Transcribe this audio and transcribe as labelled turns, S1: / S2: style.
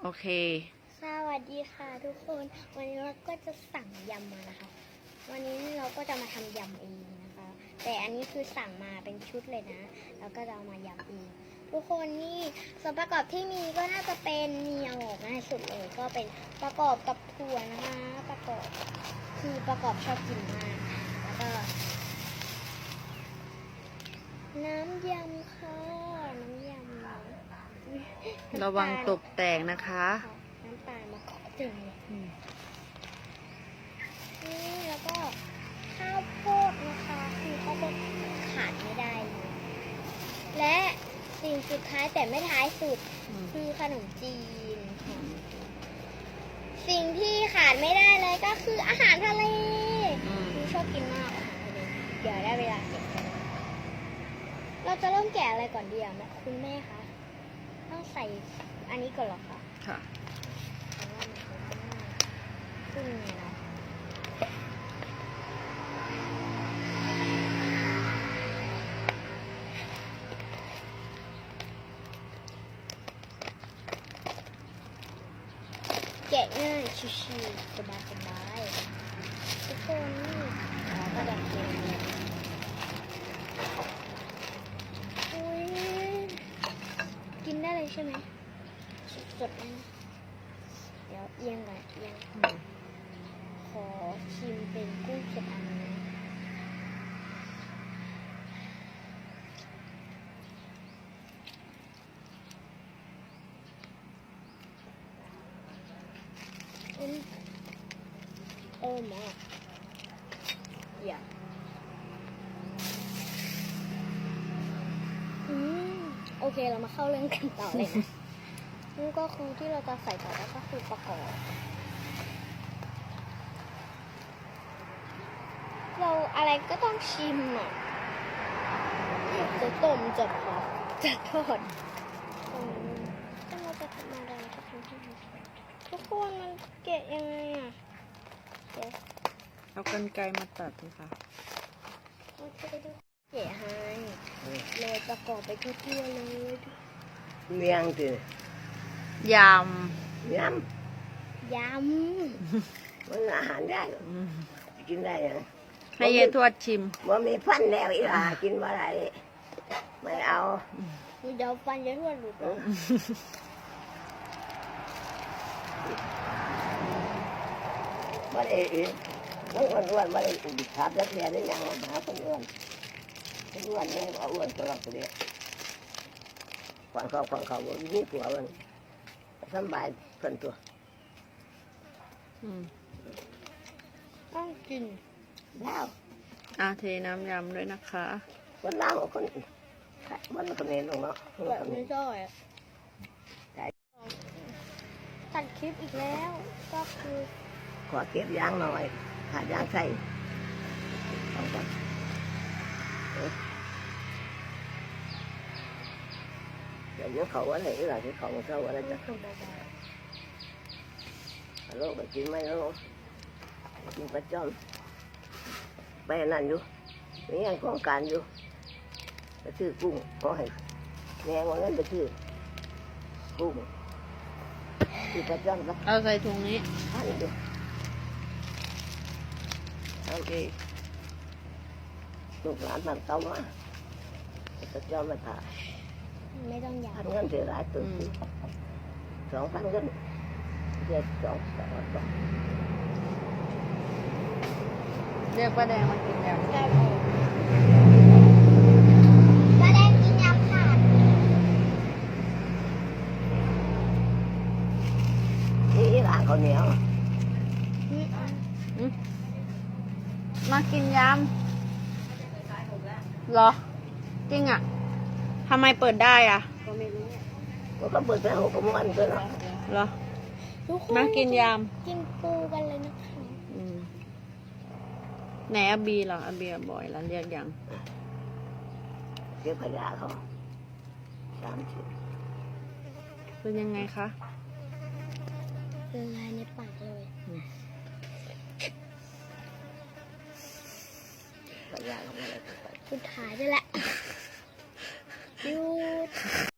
S1: โอเค
S2: สวัสดีค่ะทุกคนวันนี้เราก็จะสั่งยำมานะคะวันนี้เราก็จะมาทำยำเองนะคะแต่อันนี้คือสั่งมาเป็นชุดเลยนะแล้วก็จะเอามายำเองทุกคนนี่ส่วนประกอบที่มีก็น่าจะเป็นมีเอาออกง่ายสุดเลยก็เป็นประกอบกับถั่วนะคะประกอบชอบกินมากแล้วก็น้ำยำค่ะน้ำยำ
S1: ระวังตกแตกนะคะ
S2: น้ำตาลมาเกาะตึงเลยนี่แล้วก็ข้าวโพดนะคะคือข้าวโพดขาดไม่ได้เลยและสิ่งสุดท้ายแต่ไม่ท้ายสุดคือขนมจีนค่ะสิ่งที่ขาดไม่ได้เลยก็คืออาหารทะเลคือชอบกินมากอาหารทะเลเดี๋ยวได้เวลาเก็บกันเราจะเริ่มแกะอะไรก่อนดีอ่ะคุณแม่คะต้องใส่อันนี้ก่อนเหรอคะ
S1: ค่ะ
S2: ซึ่งไงเนาะแกะง่ายชิวๆสบายๆทุกคนนี่เราก็จะเก็บอุ้ยกินได้เลยใช่ไหมสดๆนะเดี๋ยวเอียงก่อนเอียงขอชิมเป็นกุ้งสดอันนี้โอ้มาอย่าโอเคเรามาเข้าเรื่องกันต่อเลยนะนี่ก็คือที่เราจะใส่ต่อแล้วก็คือประกอบเราอะไรก็ต้องชิมอ่ะจะต้มจะผัดจะทอดถ้าเราจะทำอะไรก็ทำให้ทุกคนมันแกะยังไงอ่ะเดี๋ยว
S1: เอากรรไกรมาตัดเลยค่ะ
S2: แกะให้โรยประกอบไปทั่วๆเลย
S3: เลี้ยงสิ
S1: ย
S3: ย
S2: ยำ
S3: มันอาหารได้เหรอกินได้เหรอ
S1: ให้ยายทวดชิม
S3: ว่ามีฟันแล้วอีหล่ากินว่าไรไม่เอา
S2: เดี๋ยวฟันจะทวดหลุดเลย
S3: ไม่ได้ต้องอ้วนไม่ได้ขับรถเรียนได้ยังหาคนอ้วนเนี่ยเอาอ้วนตลอดเลยฟังเขายิ่งตัวมันสบายเพิ่นตัว
S2: ต้องกิน
S3: แล้ว
S1: เทน้ำยำด้วยนะคะ
S3: วันล่างคนมันคนเน้นลงเนาะ
S2: แบบไม่ชอบตัดคลิปอีกแล้วก็คือ
S3: ขอเก็บยางหน่อยขาดยางใส่เอาก่อนเดี๋ยวเขาว่าไหนหลังที่เขาเขาว่าอะไรจะฮัลโหลไปกินไหมฮัลโหลกินประจอมไปนั่นอยู่นี่ยังโครงการอยู่ไปซื้อกุ้งขอให้แม่วันนั้นไปซื้อกุ้งที่ประจอมก็
S1: เอาใส่ถุงนี้
S3: ท่านอยู่
S1: โอเค
S3: ลูกหลานมันเต้ามาประจอมมาถ่าย
S2: ไม่ต้องอยาก
S3: พันเงินเสียหลายตัว2,000เงินเดือน2,000
S1: เรียกป้าแดงมากินยำ
S2: ป้าแดงกินยำค่ะ
S3: นี่หลานเขาเหนียว
S1: มากินยำเหรอจริงอ่ะทำไมเปิดได้อ่ะ
S3: ก็ไม่รู้ก็เปิดไป6 โมงวันก็
S1: เหรอ
S2: ทุกคน
S1: มากินย
S2: ำกินปูกันเลยนะคะ
S1: ไหนอาบีเหรออาบีบ่อยแล้วเรียกยัง
S3: เก็บขยะเขา30
S1: เป็นยังไงคะ
S2: ละลายในปากเลย
S3: ขยะเขาอะไร
S2: สุดท้ายได้แหละหยุด